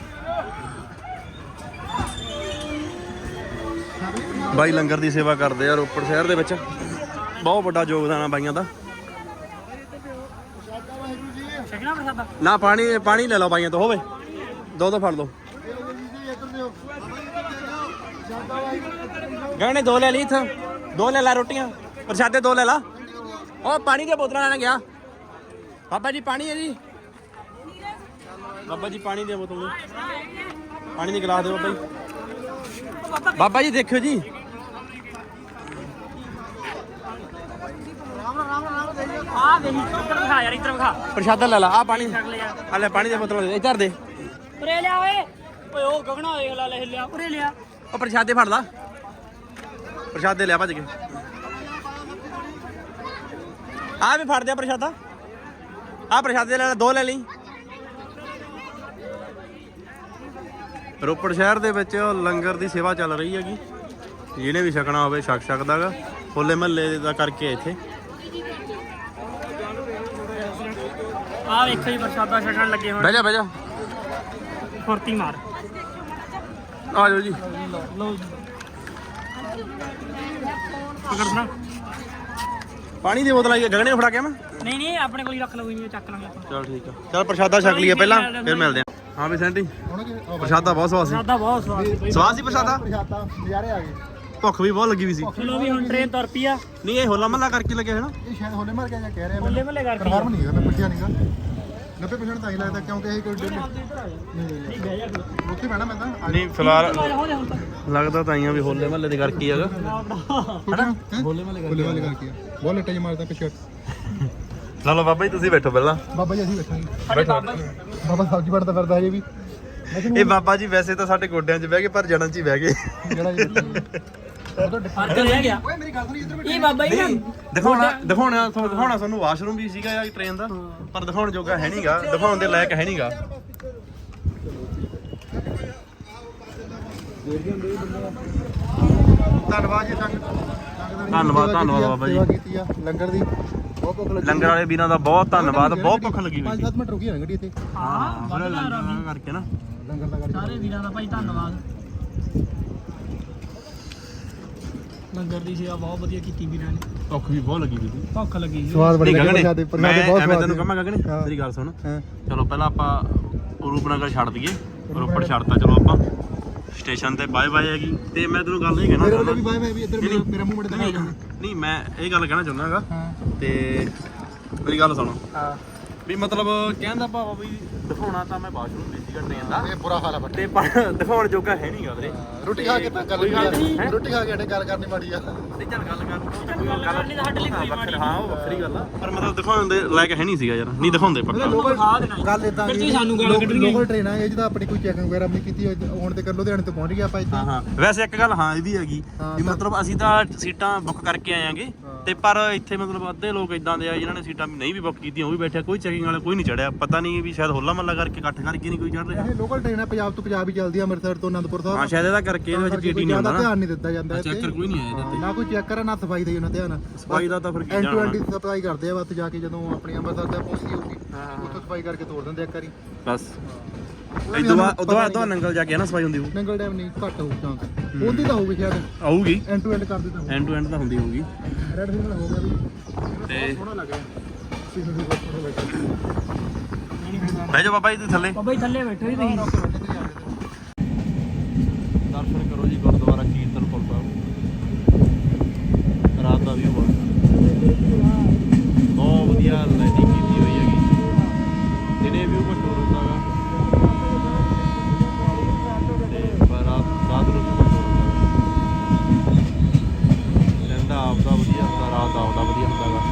ਬਾਈ ਲੰਗਰ ਦੀ ਸੇਵਾ ਕਰਦੇ ਆ ਰੋਪੜ ਸ਼ਹਿਰ ਦੇ ਵਿੱਚ ਬਹੁਤ ਵੱਡਾ ਯੋਗਦਾਨ ਆ ਬਾਈਆਂ ਦਾ ਛਕਣਾ ਪ੍ਰਸਾਦਾ ਨਾ ਪਾਣੀ ਲੈ ਲਓ ਬਾਈਆਂ ਤੋਂ ਹੋਵੇ ਦੋ ਫੜ ਲਓ ਗਾਣੇ ਦੋ ਲੈ ਲਈ ਇੱਥੋਂ ਦੋ ਲੈ ਲਾ ਰੋਟੀਆਂ ਪ੍ਰਸ਼ਾਦੇ ਦੋ ਲੈ ਲਾ ਉਹ ਪਾਣੀ ਦੀਆਂ ਬੋਤਲਾਂ ਲੈਣ ਗਿਆ ਬਾਬਾ ਜੀ ਪਾਣੀ ਹੈ ਜੀ ਬਾਬਾ ਜੀ ਪਾਣੀ ਦੀਆਂ ਬੋਤਲਾਂ ਪਾਣੀ ਦੀ ਗਲਾਸ ਦਿਓ ਬਾਬਾ ਜੀ ਬਾਬਾ ਜੀ ਦੇਖਿਓ ਜੀ ਆ ਵੇਹੀ ਇੱਧਰ ਵਿਖਾ ਯਾਰ ਇੱਧਰ ਵਿਖਾ ਪ੍ਰਸ਼ਾਦਾ ਲੈ ਲਾ ਆ ਪਾਣੀ ਛਕ ਲਿਆ ਆ ਲੈ ਪਾਣੀ ਦੀਆਂ ਬੋਤਲਾਂ ਦੇ ਇੱਧਰ ਦੇ ਉਰੇ ਲਿਆ ਓਏ ਓਏ ਉਹ ਗਗਣਾ ਦੇਖ ਲਾ ਲੈ ਲਿਆ ਉਰੇ ਲਿਆ ਉਹ ਪ੍ਰਸ਼ਾਦੇ ਫੜ ਲਾ ਪ੍ਰਸ਼ਾਦੇ ਲਿਆ ਭੱਜ ਕੇ ਆ ਵੀ ਫੜ ਦਿਆ ਪ੍ਰਸ਼ਾਦਾ ਆ ਪ੍ਰਸ਼ਾਦੇ ਲੈ ਲੈ ਦੋ ਲੈ ਲਈ ਰੋਪੜ ਸ਼ਹਿਰ ਦੇ ਵਿੱਚ ਲੰਗਰ ਦੀ ਸੇਵਾ ਚੱਲ ਰਹੀ ਹੈਗੀ ਜਿਹਨੇ ਵੀ ਛਕਣਾ ਹੋਵੇ ਛਕ ਸਕਦਾਗਾ ਹੋਲੇ ਮਹੱਲੇ ਦਾ ਕਰਕੇ ਇੱਥੇ ਆ ਵੇਖੋ ਜੀ ਪ੍ਰਸਾਦਾ ਛਕਣ ਲੱਗੇ ਹੁਣ ਬਹਿ ਜਾ ਫੁਰਤੀ ਮਾਰ ਆ ਜਾਓ ਜੀ ਲਓ ਜੀ ਪਕੜਨਾ ਪਾਣੀ ਦੀ ਬੋਤਲ ਆਈ ਗਗਨੇ ਨੂੰ ਫੜਾ ਕੇ ਮੈਂ ਨਹੀਂ ਆਪਣੇ ਕੋਲ ਹੀ ਰੱਖ ਲਓ ਜੀ ਚੱਕ ਲਾਂਗੇ ਆਪਾਂ ਚਲ ਠੀਕ ਆ ਚਲ ਪ੍ਰਸ਼ਾਦਾ ਛਕ ਲਈਏ ਪਹਿਲਾਂ ਫਿਰ ਮਿਲਦੇ ਆ ਹਾਂ ਵੀ ਸੈਂਟੀ ਹੁਣ ਕੀ ਪ੍ਰਸ਼ਾਦਾ ਬਹੁਤ ਸਵਾਦ ਸੀ ਸਾਦਾ ਬਹੁਤ ਸਵਾਦ ਸੀ ਬਈ। ਸਵਾਦ ਸੀ ਪ੍ਰਸ਼ਾਦਾ ਪ੍ਰਸ਼ਾਦਾ ਨਜ਼ਾਰੇ ਆ ਗਏ। ਭੁੱਖ ਵੀ ਬਹੁਤ ਲੱਗੀ ਵੀ ਸੀ ਚਲੋ ਵੀ ਹੁਣ ਟ੍ਰੇਨ ਤੁਰ ਪਈ ਆ ਨਹੀਂ ਇਹ ਹੋਲਾ ਮਹੱਲਾ ਕਰਕੇ ਲੱਗਿਆ ਹੈ ਨਾ ਇਹ ਸ਼ਾਇਦ ਹੋਲੇ ਮਾਰ ਕੇ ਜਾਂ ਕਹਿ ਰਿਹਾ ਹੋਲੇ ਮਹੱਲੇ ਕਰਕੇ ਕਨਫਰਮ ਨਹੀਂ ਹੈਗਾ ਮੈਂ ਪੁੱਛਿਆ ਨਹੀਂਗਾ 90% ਤਾਂ ਹੀ ਲੱਗਦਾ ਕਿਉਂਕਿ ਇਹ ਕੋਈ ਡੇਲੀ ਨਹੀਂ ਬਹਿ ਜਾ ਫਿਰ। ਉੱਥੇ ਬਹਿਣਾ ਮੈਂ ਤਾਂ ਨਹੀਂ ਫਿਲਹਾਲ ਹੋ ਜਾ ਹੁਣ ਤੱਕ ਲੱਗਦਾ ਤਾਂ ਆਈਆਂ ਵੀ ਹੋਲੇ ਮਹੱਲੇ ਦੇ ਕਰਕੇ ਹੀ ਹੈਗਾ ਹੋਲੇ ਵਾਲੇ ਕਰਕੇ ਬਹੁਤ ਲੱਟਾ ਜਿਹਾ ਮਾਰਦਾ ਪਿੱਛੇ ਚਲੋ ਬਾਬਾ ਜੀ ਤੁਸੀਂ ਬੈਠੋ ਪਹਿਲਾਂ ਬਾਬਾ ਜੀ ਅਸੀਂ ਬੈਠਾਂਗੇ ਬਾਬਾ ਸਬਜ਼ੀ ਵੜਦਾ ਫਿਰਦਾ ਹਜੇ ਵੀ ਇਹ ਬਾਬਾ ਜੀ ਵੈਸੇ ਤਾਂ ਸਾਡੇ ਗੋਡਿਆਂ 'ਚ ਬਹਿ ਗਏ ਪਰ ਜੜਾਂ 'ਚ ਹੀ ਬਹਿ ਗਏ ਜਿਹੜਾ ਉਹ ਤਾਂ ਫਰਕ ਰਹਿ ਗਿਆ ਓਏ ਮੇਰੀ ਗੱਲ ਸੁਣੀ ਇੱਧਰ ਇਹ ਬਾਬਾ ਜੀ ਨਾ ਦਿਖਾਉਣਾ ਤੁਹਾਨੂੰ ਵਾਸ਼ਰੂਮ ਵੀ ਸੀਗਾ ਯਾਰ ਟ੍ਰੇਨ ਦਾ ਪਰ ਦਿਖਾਉਣ ਜੋਗਾ ਹੈ ਨਹੀਂਗਾ ਦਿਖਾਉਣ ਦੇ ਲਾਇਕ ਹੈ ਨਹੀਂਗਾ ਧੰਨਵਾਦ ਜੀ ਧੰਨਵਾਦ ਬਾਬਾ ਜੀ ਸੇਵਾ ਕੀਤੀ ਆ ਲੰਗਰ ਦੀ ਬਹੁਤ ਭੁੱਖ ਲੱਗੀ ਲੰਗਰ ਵਾਲੇ ਵੀਰਾਂ ਦਾ ਬਹੁਤ ਧੰਨਵਾਦ ਬਹੁਤ ਭੁੱਖ ਲੱਗੀ ਹੋਈ 5-7 ਮਿੰਟ ਰੁਕੀ ਹੋਣੀ ਗੱਡੀ ਇੱਥੇ ਹਾਂ ਬੜਾ ਲੰਗਰ ਕਰਕੇ ਨਾ ਲੰਗਰ ਦਾ ਕਰਕੇ ਸਾਰੇ ਵੀਰਾਂ ਦਾ ਭਾਈ ਧੰਨਵਾਦ ਲੰਗਰ ਦੀ ਸੇਵਾ ਬਹੁਤ ਵਧੀਆ ਕੀਤੀ ਵੀਰਾਂ ਨੇ ਭੁੱਖ ਵੀ ਬਹੁਤ ਲੱਗੀ ਹੋਈ ਸੀ ਭੁੱਖ ਲੱਗੀ ਸੀ ਸਵਾਦ ਬੜੇ ਨਹੀਂ ਲੱਗੇ ਗਗਨੇ ਪ੍ਰਸ਼ਾਦੇ ਬਹੁਤ ਐਵੇਂ ਸਵਾਦ ਤੈਨੂੰ ਕਹਾਂ ਗਗਨੇ ਹਾਂ। ਮੇਰੀ ਗੱਲ ਸੁਣ ਹਾਂ ਚਲੋ ਪਹਿਲਾਂ ਆਪਾਂ ਰੂਪਨਗਰ ਛੱਡ ਦਈਏ ਰੋਪੜ ਛੱਡਤਾ ਚਲੋ ਆਪਾਂ ਸਟੇਸ਼ਨ ਤੇ ਬਾਏ ਬਾਏ ਹੈਗੀ ਤੇ ਮੈਂ ਤੈਨੂੰ ਗੱਲ ਇਹ ਕਹਿਣਾ ਮੇਰੇ ਵੱਲੋਂ ਚਾਹੁੰਦਾ ਵੀ ਬਾਏ ਬਾਏ ਵੀ ਇੱਧਰ ਮੇਰਾ ਮੂੰਹ ਮੜੇ ਦਿਖਾ ਨਹੀਂ ਮੈਂ ਇਹ ਗੱਲ ਕਹਿਣਾ ਚਾਹੁੰਦਾ ਹੈਗਾ ਹਾਂ ਤੇ ਮੇਰੀ ਗੱਲ ਸੁਣੋ ਹਾਂ ਵੀ ਮਤਲਬ ਕਹਿਣ ਦਾ ਭਾਵ ਵੀ ਦਿਖਾਉਣਾ ਤਾਂ ਮੈਂ ਵਾਸ਼ਰੂਮ ਵੀ ਸੀਗਾ ਟ੍ਰੇਨ ਦਾ ਇਹ ਬੁਰਾ ਹਾਲ ਆ ਬੱਟੇ ਤੇ ਪਰ ਦਿਖਾਉਣ ਜੋਗਾ ਹੈ ਨਹੀਂਗਾ ਵੀਰੇ ਰੋਟੀ ਖਾ ਕੇ ਤਾਂ ਗੱਲ ਨਹੀਂ ਰੋਟੀ ਖਾ ਕੇ ਅੜੇ ਗੱਲ ਕਰਨੀ ਮਾੜੀ ਆ ਨਹੀਂ ਚੱਲ ਗੱਲ ਗੱਲ ਕਰਨੀ ਤਾਂ ਸਾਡੇ ਲਈ ਕੋਈ ਮਾੜੀ ਹਾਂ ਉਹ ਵੱਖਰੀ ਗੱਲ ਆ ਪਰ ਮਤਲਬ ਦਿਖਾਉਣ ਦੇ ਲਾਇਕ ਹੈ ਨਹੀਂ ਸੀਗਾ ਯਾਰ ਨਹੀਂ ਦਿਖਾਉਂਦੇ ਪੱਕਾ ਖਾ ਦੇਣਾ ਗੱਲ ਇਦਾਂ ਫਿਰ ਤੁਸੀਂ ਸਾਨੂੰ ਗੱਲ ਕੱਢਣੀ ਲੋਕਲ ਟ੍ਰੇਨ ਆ ਇਹ ਜਿਹਦਾ ਆਪਣੀ ਕੋਈ ਚੈਕਿੰਗ ਵਗੈਰਾ ਨਹੀਂ ਕੀਤੀ ਹੁਣ ਤੇ ਕਰ ਲੁਧਿਆਣੇ ਤੋਂ ਪਹੁੰਚ ਗਿਆ ਆਪਾਂ ਇੱਥੇ ਹਾਂ ਹਾਂ ਵੈਸੇ ਇੱਕ ਗੱਲ ਹਾਂ ਇਹ ਵੀ ਹੈਗੀ ਵੀ ਮਤਲਬ ਅਸੀਂ ਤਾਂ ਸੀਟਾਂ ਬੁੱਕ ਕਰਕੇ ਆਏਾਂਗੇ ਤੇ ਪਰ ਇੱਥੇ ਮਤਲਬ ਅੱਧੇ ਲੋਕ ਇਦਾਂ ਦੇ ਆ ਜਿਨ੍ਹਾਂ ਨੇ ਸੀਟਾਂ ਨਹੀਂ ਵੀ ਬੁੱਕ ਕੀਤੀਆਂ ਉਹ ਵੀ ਬੈਠੇ ਕੋਈ ਚੈਕਿੰਗ ਵਾਲਾ ਕੋਈ ਨਹੀਂ ਚੜਿਆ ਪਤਾ ਨਹੀਂ ਵੀ ਸ਼ਾਇਦ ਹੋਲਾ ਮਹੱਲਾ ਕਰਕੇ ਇਕੱਠ ਕਰਕੇ ਨਹੀਂ ਕੋਈ ਚੜ ਰਿਹਾ ਇਹ ਲੋਕਲ ਟ੍ਰੇਨ ਆ ਪੰਜਾਬ ਤੋਂ ਪੰਜਾਬ ਹੀ ਚੱਲਦੀ ਆ ਅੰਮ੍ਰਿਤਸਰ ਤੋਂ ਅਨੰਦਪੁਰ ਸਾਹਿਬ ਹਾਂ ਸ਼ਾਇਦ ਇਹਦਾ ਕਰਕੇ ਇਹਦੇ ਵਿੱਚ ਟੀਟੀ ਨਹੀਂ ਹੁੰਦਾ ਨਾ ਧਿਆਨ ਨਹੀਂ ਦਿੱਤਾ ਜਾਂਦਾ ਚੈੱਕਰ ਕੋਈ ਨਹੀਂ ਆਇਆ ਇਹਦੇ ਨਾ ਕੋਈ ਚੈੱਕ ਕਰਾ ਨਾ ਸਫਾਈ ਦਾ ਉਹਨਾਂ ਧਿਆਨ ਸਫਾਈ ਦਾ ਤਾਂ ਫਿਰ ਕੀ ਐਂਡ ਟੂ ਜਾਣਾ ਐਂਡ ਸਫਾਈ ਕਰਦੇ ਆ ਬਸ ਜਾ ਕੇ ਜਦੋਂ ਆਪਣੀ ਅੰਮ੍ਰਿਤਸਰ ਤੱਕ ਪਹੁੰਚਦੀ ਹੋਊਗੀ ਉੱਥੋਂ ਸਫਾਈ ਕਰਕੇ ਤੋੜ ਦਿੰਦੇ ਇੱਕ ਵਾਰੀ ਬਸ ਉਦੋਂ ਨੰਗਲ ਜਾ ਕੇ ਨਾ ਸਫਾਈ ਹੁੰਦੀ ਹੋਊ ਨੰਗਲ ਡੈਮ ਨਹੀਂ ਘੱਟ ਹੋਊ ਚਾਂਸ ਉਹਦੀ ਤਾਂ ਹੋਊਗੀ ਸ਼ਾਇਦ ਆਊਗੀ ਐਂਡ ਟੂ ਐਂਡ ਕਰ ਦਿੱਤਾ ਐਂਡ ਟੂ ਐਂਡ ਤਾਂ ਹੁੰਦੀ ਹੋਊਗੀ ਰੈਡ ਸਿਗਨਲ ਹੋ ਗਿਆ ਵੀ ਤੇ ਸੋਹਣਾ ਲੱਗ ਰਿਹਾ ਸਿਗਨਲ ਵੀ ਬਹੁਤ ਸੋਹਣਾ ਲੱਗ ਰਿਹਾ ਬਹਿ ਜਾ ਬਾਬਾ ਜੀ ਤੁਸੀਂ ਥੱਲੇ ਬਾਬਾ ਜੀ ਥੱਲੇ ਬੈਠੋ ਜੀ ਤੁਸੀਂ ਦਰਸ਼ਨ ਕਰੋ ਜੀ ਗੁਰਦੁਆਰਾ ਕੀਰਤਨਪੁਰ ਸਾਹਿਬ ਰਾਤ ਦਾ ਵੀ ਬਹੁਤ ਵਧੀਆ ਲਾਈਟਿੰਗ ਕੀਤੀ ਹੋਈ ਹੈਗੀ ਦਿਨੇ ਵੀ ਘੱਟੋ ਹੁੰਦਾ ਗਾ ਤੇ ਪਰ ਰਾਤ ਨੂੰ ਵੀ ਘੱਟੋ ਹੁੰਦਾ ਲੈਂਦਾ ਆਪਦਾ ਵਧੀਆ ਹੁੰਦਾ ਰਾਤ ਦਾ ਆਪਦਾ ਵਧੀਆ ਹੁੰਦਾ ਗਾ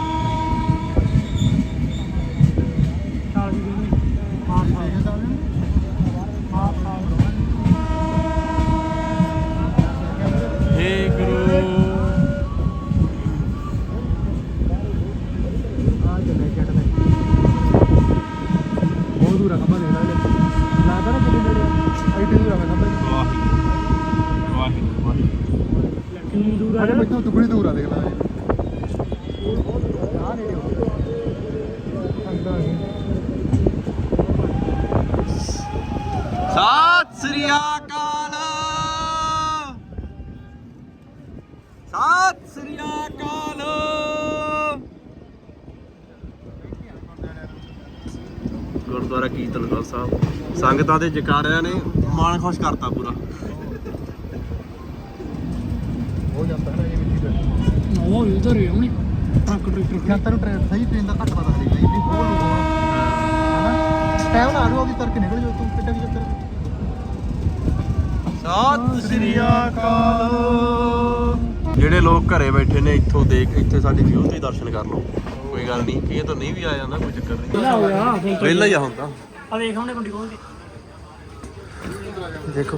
ਚਾਲ ਜੀ ਹੇ ਗੁਰੂ ਬਹੁਤ ਦੂਰ ਆ ਖੰਭਾ ਦੇਖ ਲੈ ਲੱਗਦਾ ਨਾ ਕਿੰਨੇ ਨੇੜੇ ਐਡੀ ਦੂਰ ਆ ਖੰਭਾ ਵਾਹਿਗੁਰੂ ਵਾਹਿਗੁਰੂ ਵਾਹਿਗੁਰੂ ਕਿੰਨੀ ਦੂਰ ਆ ਅਰੇ ਮੈਨੂੰ ਦੁਗਣੀ ਦੂਰ ਆ ਦੇਖ ਲੈ ਸਤਿ ਸ੍ਰੀ ਅਕਾਲ ਸਤਿ ਸ੍ਰੀ ਅਕਾਲ ਗੁਰਦੁਆਰਾ ਕੀਰਤਨਗੜ੍ਹ ਸਾਹਿਬ ਸੰਗਤਾਂ ਦੇ ਜਕਾਰਿਆਂ ਨੇ ਮਨ ਖੁਸ਼ ਕਰਤਾ ਪੂਰਾ ਹੋ ਜਾਂਦਾ ਹੈ ਨਾ ਇਹ ਵੀ ਉਹ ਉਧਰ ਹੀ ਆਉਣੀ ਟਰੱਕ ਟਰੈਕਟਰ ਜਨਤਾ ਨੂੰ ਸਹੀ ਟ੍ਰੇਨ ਦਾ ਘੱਟ ਪਤਾ ਲੱਗਦਾ ਜੀ ਬਹੁਤ ਲੋਕ ਹਨਾ ਟਾਈਮ ਨਾਲ ਆੜੂ ਉਹਦੀ ਕਰਕੇ ਨਿਕਲ ਜਾਓ ਤੂੰ ਕਿੱਡਾ ਵੀ ਚੱਕਰ ਸਤਿ ਸ੍ਰੀ ਅਕਾਲ ਜਿਹੜੇ ਲੋਕ ਘਰੇ ਬੈਠੇ ਨੇ ਇੱਥੋਂ ਦੇਖ ਇੱਥੇ ਸਾਡੀ ਵਿਊ ਤੇ ਹੀ ਦਰਸ਼ਨ ਕਰ ਲਓ ਕੋਈ ਗੱਲ ਨਹੀਂ ਇਹ ਤਾਂ ਨਹੀਂ ਵੀ ਆ ਜਾਂਦਾ ਕੋਈ ਚੱਕਰ ਨਹੀਂ ਪਹਿਲਾਂ ਹੋ ਗਿਆ ਪਹਿਲਾਂ ਹੀ ਆ ਹੁੰਦਾ ਆ ਵੇਖ ਉਹਨੇ ਕੁੰਡੀ ਖੋਲ ਕੇ ਦੇਖੋ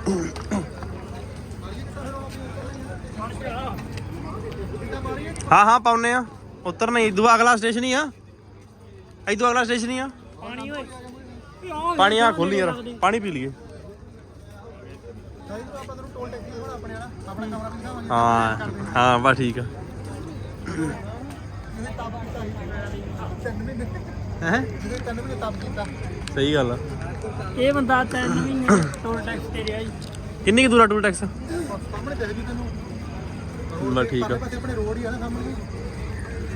ਹਾਂ ਹਾਂ ਪਾਉਨੇ ਆ ਉਤਰਨਾ ਇਦੋਂ ਅਗਲਾ ਸਟੇਸ਼ਨ ਹੀ ਆ ਇਦੋਂ ਅਗਲਾ ਸਟੇਸ਼ਨ ਹੀ ਆ ਪਾਣੀ ਓਏ ਪਾਣੀ ਆ ਖੋਲੀ ਯਾਰ ਪਾਣੀ ਪੀ ਲਈਏ ਆਪਾਂ ਤੈਨੂੰ ਟੋਲ ਟੈਕਸੀ ਹੁਣ ਆਪਣੇ ਵਾਲਾ ਆਪਣਾ ਕਮਰਾ ਵੀ ਦਿਖਾਵਾਂਗੇ ਹਾਂ ਹਾਂ ਬਸ ਠੀਕ ਆ ਹੈ ਜਿਹਦੇ 3 ਮਹੀਨੇ ਤਪ ਕੀਤਾ ਸਹੀ ਗੱਲ ਆ ਇਹ ਬੰਦਾ 3 ਮਹੀਨੇ ਟੋਲ ਟੈਕਸ ਤੇ ਰਿਹਾ ਜੀ ਕਿੰਨੀ ਕੁ ਦੂਰ ਆ ਟੂਲ ਟੈਕਸ ਸਾਹਮਣੇ ਦੇਖਦੀ ਤੈਨੂੰ ਬਸ ਠੀਕ ਆ ਪਾਸੇ ਆਪਣੇ ਰੋਡ ਹੀ ਆ ਨਾ ਸਾਹਮਣੇ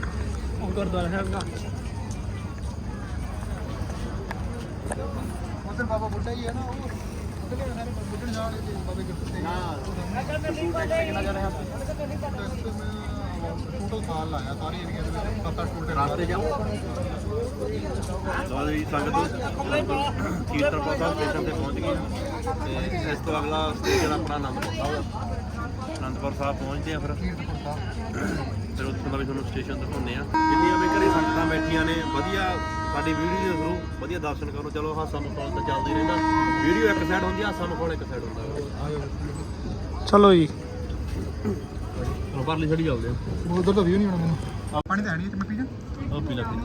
ਉਹ ਗੁਰਦੁਆਰਾ ਸਾਹਿਬ ਦਾ ਉਧਰ ਬਾਬਾ ਬੁੱਢਾ ਹੀ ਹੈ ਨਾ, ਉਹ ਉਧਰ ਸਾਰੇ ਬੁੱਢਣ ਜਾਣ ਦੇ ਬਾਬੇ ਗੁਰਤੇ ਨਾ ਟੋਟਲ ਸਾਲ ਲਾਇਆ ਸਾਰੇ ਏਰੀਆ ਦੇ ਵਿੱਚ 7-8 ਟੋਟੇ ਰਾਸਤੇ ਜਾਓ ਲਓ ਜੀ ਸੰਗਤ ਕੀਰਤਨਪੁਰ ਸਾਹਿਬ ਸਟੇਸ਼ਨ ਤੇ ਪਹੁੰਚ ਗਏ ਤੇ ਇਸ ਤੋਂ ਅਗਲਾ ਸਟੇਸ਼ਨ ਆਪਣਾ ਅਨੰਦਪੁਰ ਸਾਹਿਬ। ਅਨੰਦਪੁਰ ਸਾਹਿਬ ਪਹੁੰਚਦੇ ਆ ਫਿਰ ਉੱਥੋਂ ਦਾ ਵੀ ਤੁਹਾਨੂੰ ਸਟੇਸ਼ਨ ਦਿਖਾਉਂਦੇ ਆ। ਜਿੰਨੀਆਂ ਵੀ ਘਰੇ ਸੰਗਤਾਂ ਬੈਠੀਆਂ ਨੇ ਵਧੀਆ ਸਾਡੀ ਵੀਡੀਓ ਦੇ ਥਰੂ ਵਧੀਆ ਦਰਸ਼ਨ ਕਰੋ। ਚਲੋ ਹਾਸਾ ਮਖੌਲ ਤਾਂ ਚੱਲਦਾ ਹੀ ਰਹਿੰਦਾ, ਵੀਡੀਓ ਇੱਕ ਸਾਈਡ ਹੁੰਦੀ, ਹਾਸਾ ਮਖੌਲ ਇੱਕ ਸਾਈਡ ਹੁੰਦਾ। ਚਲੋ ਜੀ ਚਲੋ ਪਰਲੀ ਛੜੀ ਚੱਲਦੇ ਆ। ਉਧਰ ਤਾਂ ਵੀਊ ਨਹੀਂ ਆਉਣਾ ਮੈਨੂੰ, ਪਾਣੀ ਤਾਂ ਹੈ ਨਹੀਂ, ਮੈਂ ਪੀ ਜਾ। ਉਹ ਪੀ ਲੱਗੀ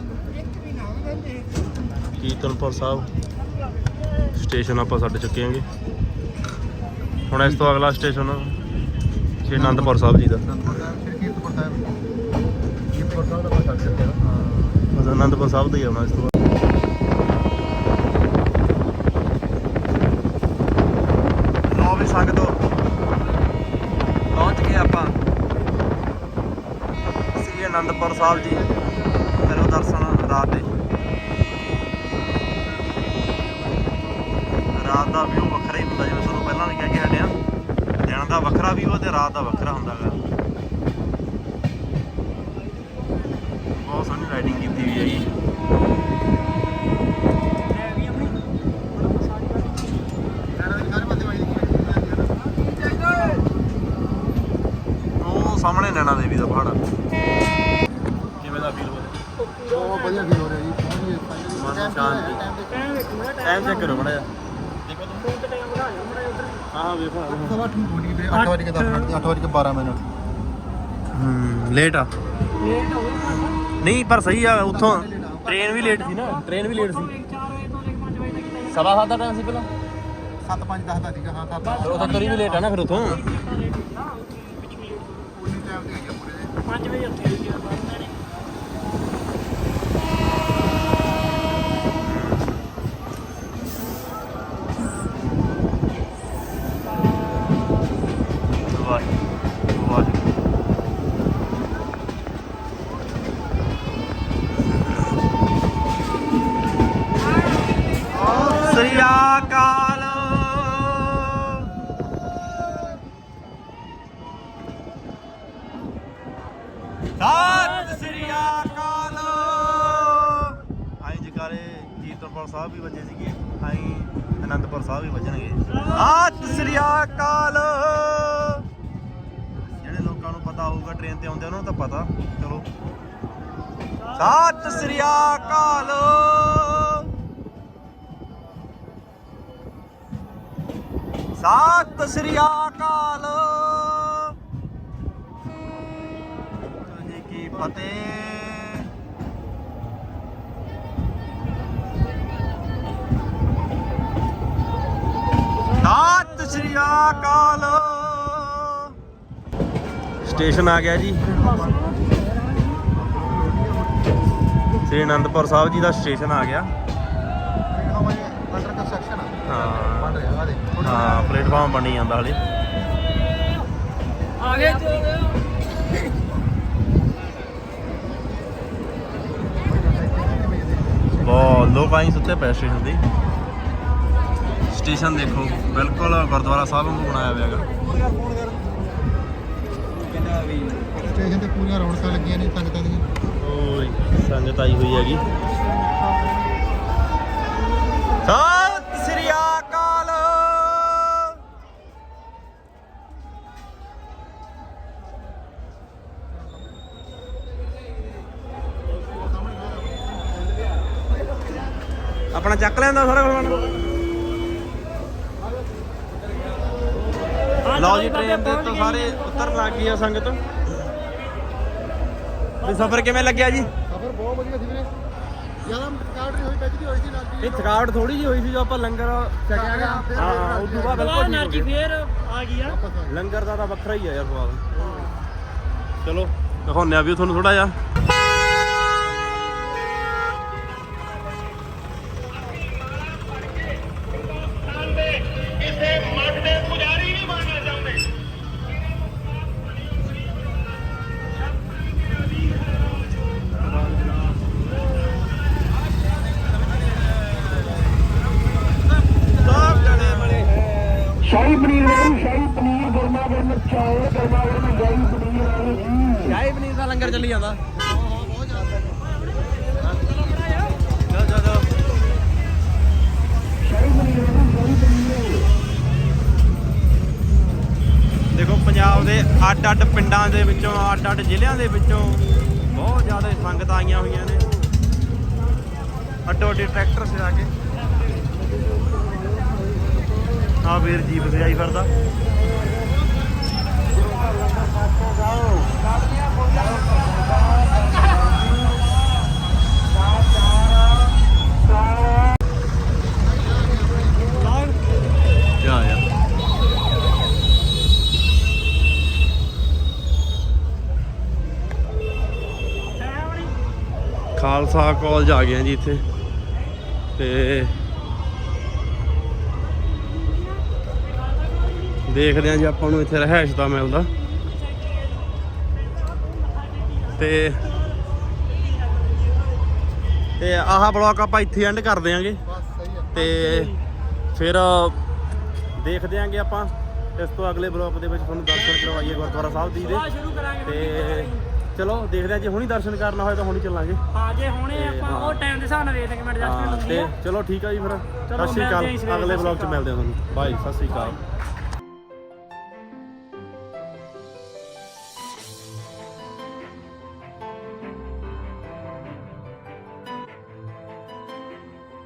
ਕੀਰਤਨਪੁਰ ਸਾਹਿਬ ਸਟੇਸ਼ਨ ਆਪਾਂ ਛੱਡ ਚੁੱਕੇ ਆਂਗੇ। ਹੁਣ ਇਸ ਤੋਂ ਅਗਲਾ ਸਟੇਸ਼ਨ ਸ਼੍ਰੀ ਅਨੰਦਪੁਰ ਸਾਹਿਬ ਜੀ ਦਾ। ਕੀਰਤਪੁਰ ਸਾਹਿਬ ਦਾ ਆਪਾਂ ਛੱਡ ਚੁੱਕੇ ਹਾਂ। ਬਸ ਅਨੰਦਪੁਰ ਸਾਹਿਬ ਦਾ ਹੀ ਆਉਣਾ ਇਸ ਤੋਂ ਬਾਅਦ। ਲਓ ਵੀ ਸੰਗਤੋ ਪਹੁੰਚ ਗਏ ਆਪਾਂ ਸ਼੍ਰੀ ਅਨੰਦਪੁਰ ਸਾਹਿਬ ਜੀ। ਕਰੋ ਦਰਸ਼ਨ ਰਾਤ ਦੇ। ਰਾਤ ਦਾ ਵਿਊ ਵੱਖਰਾ ਹੀ ਹੁੰਦਾ, ਜਿਵੇਂ ਤੁਹਾਨੂੰ ਪਹਿਲਾਂ ਵੀ ਕਹਿ ਕੇ ਹਟਿਆ, ਦਿਨ ਦਾ ਵੱਖਰਾ ਵਿਊ ਤੇ ਰਾਤ ਦਾ ਵੱਖਰਾ ਹੁੰਦਾ ਗਾ। ਬਹੁਤ ਸੋਹਣੀ ਲਾਈਟਿੰਗ ਕੀਤੀ ਹੋਈ ਹੈ ਜੀ। ਉਹ ਸਾਹਮਣੇ ਨੈਣਾ ਦੇਵੀ ਦਾ ਪਹਾੜ। ਕਿਵੇਂ ਦਾ ਫੀਲ ਹੋ ਰਿਹਾ? ਬਹੁਤ ਵਧੀਆ ਫੀਲ ਹੋ ਰਿਹਾ ਜੀ। ਮਨ ਸ਼ਾਂਤੀ। ਟਾਈਮ ਚੈੱਕ ਕਰੋ ਮੜਾ ਜਾ। ਹਾਂ ਵੇਖੋ। 8:08 ਪਹੁੰਚ ਗਏ, 8:10 ਮਿੰਟ, 8:12 ਮਿੰਟ। ਲੇਟ ਆ ਨਹੀਂ, ਪਰ ਸਹੀ ਆ। ਉੱਥੋਂ ਟ੍ਰੇਨ ਵੀ ਲੇਟ ਸੀ ਨਾ, ਟ੍ਰੇਨ ਵੀ ਲੇਟ ਸੀ। 7:30 ਦਾ ਟਾਈਮ ਸੀ ਪਹਿਲਾਂ। 7:05 ਦਾ ਸੀਗਾ। ਹਾਂ 7 ਉਹ ਤਾਂ ਤਰੀ ਵੀ ਲੇਟ ਆ ਨਾ ਫਿਰ ਉੱਥੋਂ। ਉਨੀ ਟਾਈਮ ਤੇ ਆਈ ਆ ਪੂਰੇ ਦੇ। 5 ਵਜੇ ਉੱਥੇ ਹੋਈ ਗਿਆ ਬਾਅਦ ਨੇ। ਸ੍ਰੀ ਅਕਾਲ। ਸਤਿ ਸ੍ਰੀ ਅਕਾਲ। ਆਈ ਜਕਾਰੇ ਕੀਰਤਨਪੁਰ ਸਾਹਿਬ ਵੀ ਵੱਜੇ ਸੀਗੇ, ਆਈ ਅਨੰਦਪੁਰ ਸਾਹਿਬ ਵੀ ਵੱਜਣਗੇ। ਸਤਿ ਸ੍ਰੀ ਅਕਾਲ। ਜਿਹੜੇ ਲੋਕਾਂ ਨੂੰ ਪਤਾ ਹੋਊਗਾ ਟ੍ਰੇਨ ਤੇ ਆਉਂਦੇ ਉਹਨਾਂ ਨੂੰ ਤਾਂ ਪਤਾ। ਚਲੋ ਸਤਿ ਸ੍ਰੀ ਅਕਾਲ। ਸਤਿ ਸ੍ਰੀ ਅਕਾਲ ਜੀ ਕੀ ਫਤਿਹ। ਸਤਿ ਸ੍ਰੀ ਅਕਾਲ। ਸਟੇਸ਼ਨ ਆ ਗਿਆ ਜੀ, ਸ੍ਰੀ ਅਨੰਦਪੁਰ ਸਾਹਿਬ ਜੀ ਦਾ ਸਟੇਸ਼ਨ ਆ ਗਿਆ। ਅੰਡਰ ਕੰਸਟਰਕਸ਼ਨ ਆ। ਹਾਂ ਬਣ ਰਿਹਾ ਆ ਦੇ। ਹਾਂ ਪਲੇਟਫਾਰਮ ਬਣੀ ਜਾਂਦਾ ਹਲੇ। ਆ ਗਏ ਬਹੁਤ ਲੋਕ ਆਈ ਸੁੱਤੇ ਪਏ ਸਟੇਸ਼ਨ ਤੇ। ਸਟੇਸ਼ਨ ਦੇਖੋ ਬਿਲਕੁਲ ਗੁਰਦੁਆਰਾ ਸਾਹਿਬ ਨੂੰ ਬਣਾਇਆ ਹੋਇਆ ਹੈਗਾ। ਸਟੇਸ਼ਨ ਤੇ ਪੂਰੀਆਂ ਰੌਣਕਾਂ ਲੱਗੀਆਂ ਨੇ ਸੰਗਤਾਂ ਦੀਆਂ। ਓਏ ਸੰਗਤ ਆਈ ਹੋਈ ਹੈਗੀ। ਸਤਿ ਸ੍ਰੀ ਅਕਾਲ। ਆਪਣਾ ਚੱਕ ਲੈਂਦਾ ਸਾਰਾ ਕੁਝ। ਲਓ ਜੀ ਟ੍ਰੇਨ ਦੇ ਤੋਂ ਸਾਰੇ ਉਤਰਨ ਲੱਗ ਗਈ ਆ ਸੰਗਤ। ਤੇ ਸਫ਼ਰ ਕਿਵੇਂ ਲੱਗਿਆ ਜੀ? ਸਫ਼ਰ ਬਹੁਤ ਵਧੀਆ ਸੀ ਵੀਰੇ। ਜਿਆਦਾ ਥਕਾਵਟ ਨਹੀਂ ਹੋਈ, ਟੱਚਦੀ ਹੋਈ ਸੀ ਨਾਲ। ਇਹ ਥਕਾਵਟ ਥੋੜੀ ਜਿਹੀ ਹੋਈ ਸੀ ਜੋ ਆਪਾਂ ਲੰਗਰ ਛਕਿਆ ਗਿਆ। ਹਾਂ ਉਸ ਤੋਂ ਬਾਅਦ ਬਿਲਕੁਲ એનર્ਜੀ ਫੇਰ ਆ ਗਈ ਆ। ਲੰਗਰ ਦਾ ਤਾਂ ਵੱਖਰਾ ਹੀ ਆ ਯਾਰ ਸਵਾਦ। ਚਲੋ ਦਿਖਾਉਂਦੇ ਆ ਵੀ ਤੁਹਾਨੂੰ ਥੋੜਾ ਜਿਹਾ। ਸ਼ਾਹੀ ਪਨੀਰ ਦਾ ਲੰਗਰ ਚੱਲੀ ਜਾਂਦਾ। ਚਲੋ ਚਲੋ ਦੇਖੋ ਪੰਜਾਬ ਦੇ ਅੱਡ-ਅੱਡ ਪਿੰਡਾਂ ਦੇ ਵਿੱਚੋਂ ਅੱਡ-ਅੱਡ ਜ਼ਿਲ੍ਹਿਆਂ ਦੇ ਵਿੱਚੋਂ ਬਹੁਤ ਜ਼ਿਆਦਾ ਸੰਗਤਾਂ ਆਈਆਂ ਹੋਈਆਂ ਨੇ ਅੱਡੋ-ਅੱਡੀ ਟਰੈਕਟਰ ਸਜਾ ਕੇ। ਆ ਵੀਰ ਜੀਪ ਸਜਾਈ ਫਿਰਦਾ। ਜਾ ਖਾਲਸਾ ਕਾਲਜ ਆ ਗਏ ਜੀ ਇੱਥੇ ਤੇ ਦੇਖਦੇ ਹਾਂ ਜੀ ਆਪਾਂ ਨੂੰ ਇੱਥੇ ਰਹਿائش ਦਾ ਮਿਲਦਾ ਤੇ ਆਹ ਬਲੌਗ ਆਪਾਂ ਇੱਥੇ ਐਂਡ ਕਰ ਦਿਆਂਗੇ ਤੇ ਫਿਰ ਦੇਖਦੇ ਆਂਗੇ ਆਪਾਂ ਇਸ ਤੋਂ ਅਗਲੇ ਬਲੌਗ ਦੇ ਵਿੱਚ ਤੁਹਾਨੂੰ ਦਰਸ਼ਨ ਕਰਵਾਈਏ ਗੁਰਦੁਆਰਾ ਸਾਹਿਬ ਜੀ ਦੇ ਤੇ ਚਲੋ ਦੇਖਦੇ ਆ ਜੇ ਹੁਣੀ ਦਰਸ਼ਨ ਕਰਨਾ ਹੋਏ ਤਾਂ ਹੁਣੀ ਚੱਲਾਂਗੇ। ਹਾਂ ਜੇ ਹੁਣੇ ਆਪਾਂ ਉਹ ਟਾਈਮ ਦੇ ਹਿਸਾਬ ਨਾਲ ਵੇਖਦੇ ਕਿ ਮੈਂ ਐਡਜਸਟਮੈਂਟ ਹੁੰਦੀ ਤੇ ਆ। ਚਲੋ ਠੀਕ ਆ ਜੀ ਫਿਰ ਚਲੋ ਸਤਿ ਸ਼੍ਰੀ ਅਕਾਲ। ਮਿਲਦੇ ਹਾਂ ਇਸ ਵੇਲੇ। ਅਗਲੇ ਬਲੌਗ 'ਚ ਮਿਲਦੇ ਹਾਂ ਤੁਹਾਨੂੰ। ਬਾਏ, ਸਤਿ ਸ਼੍ਰੀ ਅਕਾਲ।